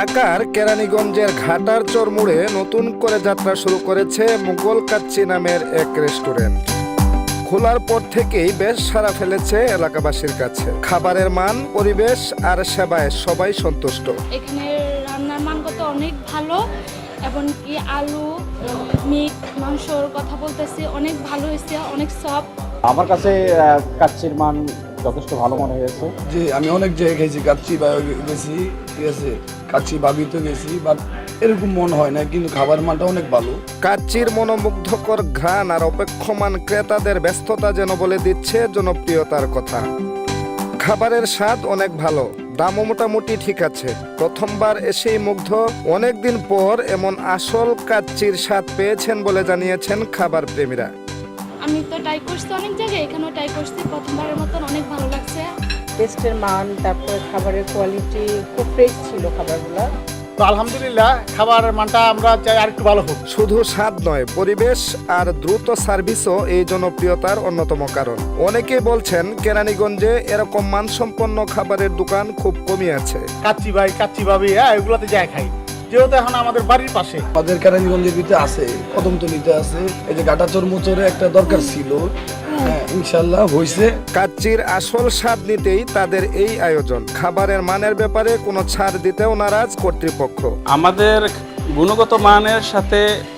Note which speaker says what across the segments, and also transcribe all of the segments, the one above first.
Speaker 1: ঢাকার কেরানীগঞ্জের ঘাটার চর মোড়ে নতুন করে যাত্রা শুরু করেছে মুঘল কাচ্চি নামের এক রেস্টুরেন্ট। খোলার পর থেকেই বেশ সাড়া ফেলেছে এলাকাবাসীর কাছে। খাবারের মান, পরিবেশ আর সেবায় সবাই সন্তুষ্ট।
Speaker 2: এখানে রান্নার মানগত অনেক ভালো, এবং কি আলু, মিট, মাংসর কথা বলতেছি অনেক ভালো হয়েছে, অনেক সফট।
Speaker 3: আমার কাছে কাচ্চির মান যথেষ্ট ভালো মনে হয়েছে।
Speaker 4: জি, আমি অনেক জায়গায় গেছি, কাচ্চি বা গেছি, ঠিক আছে, কাচ্চি ভাবিতে গেছি, বাট এরকম মনে হয় না, কিন্তু খাবার মানটা অনেক ভালো।
Speaker 1: কাচ্চির মনোমুগ্ধকর ঘ্রাণ আর অপেক্ষমান ক্রেতাদের ব্যস্ততা যেন বলে দিচ্ছে জনপ্রিয়তার কথা। খাবারের স্বাদ অনেক ভালো, দামও মোটামুটি ঠিক আছে। প্রথমবার এসেই মুগ্ধ, অনেকদিন পর এমন আসল কাচ্চির স্বাদ পেয়েছেন বলে জানিয়েছেন খাবার প্রেমীরা।
Speaker 2: আমি তো ট্রাই করছি অনেক জায়গায়, এখানেও ট্রাই করছি, প্রথমবারের মতন অনেক ভালো লাগছে।
Speaker 5: টেস্টের মান, তারপর খাবারের কোয়ালিটি খুব ফ্রেশ ছিল খাবারগুলো।
Speaker 3: তো আলহামদুলিল্লাহ খাবারের মানটা আমরা চাই আর একটু ভালো হোক।
Speaker 1: শুধু স্বাদ নয়, পরিবেশ আর দ্রুত সার্ভিসও এই জনপ্রিয়তার অন্যতম কারণ। অনেকেই বলছেন কেরানীগঞ্জে এরকম মানসম্পন্ন খাবারের দোকান খুব কমই আছে।
Speaker 3: কাচ্চি ভাই, কাচ্চি ভাবি, এগুলোতে যাই খাই, যেহেতু এখন আমাদের বাড়ির পাশে।
Speaker 4: আমাদের কেরানীগঞ্জের ভিতরে আছে, কদমতলিতে আছে, এই যে ঘাটাচর মোচরে একটা দরকার ছিল, হ্যাঁ ইনশাল্লাহ হয়েছে।
Speaker 1: কাচ্চির আসল স্বাদ নিতেই তাদের এই আয়োজন। খাবারের মানের ব্যাপারে কোনো ছাড় দিতেও নারাজ কর্তৃপক্ষ।
Speaker 6: আমাদের গুণগত মানের সাথে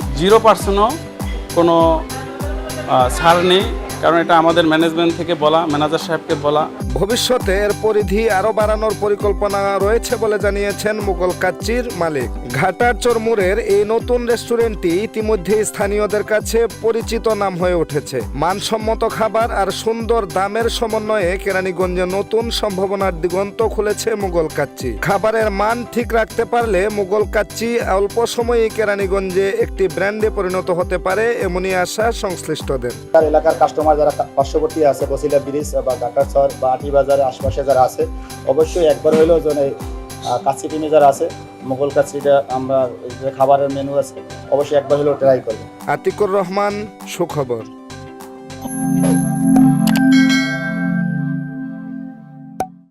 Speaker 6: 0% কোনো ছাড় নেই, কারণ এটা আমাদের ম্যানেজমেন্ট থেকে বলা, ম্যানেজার সাহেবকে বলা।
Speaker 1: ভবিষ্যতে এর পরিধি আরো বাড়ানোর পরিকল্পনা রয়েছে বলে জানিয়েছেন মুঘল কাচ্চির মালিক। ঘাটার চর মোড়ের এই নতুন রেস্টুরেন্টটি ইতিমধ্যে স্থানীয়দের কাছে পরিচিত নাম হয়ে উঠেছে। মানসম্মত খাবার আর সুন্দর দামের সমন্বয়ে কেরানীগঞ্জে নতুন সম্ভাবনার দিগন্ত খুলেছে মুঘল কাচ্চি। খাবারের মান ঠিক রাখতে পারলে মুঘল কাচ্চি অল্প সময়েই কেরানীগঞ্জে একটি ব্র্যান্ডে পরিণত হতে পারে, এমনই আশা সংশ্লিষ্টদের।
Speaker 3: এলাকার কাস্টমার যারা পার্শ্ববর্তী আছে, বসিলা ব্রিজ বা ঘাটাচর বা আটি বাজারের আশপাশে যারা আছে, অবশ্যই একবার হইলেও যেন কাচ্চি টিমে যারা আছে, মুঘল কাচ্চিটা আমরা যে খাবারের মেনু আছে অবশ্যই একবার হলেও ট্রাই করবো।
Speaker 1: আতিকুর রহমান, সুখবর।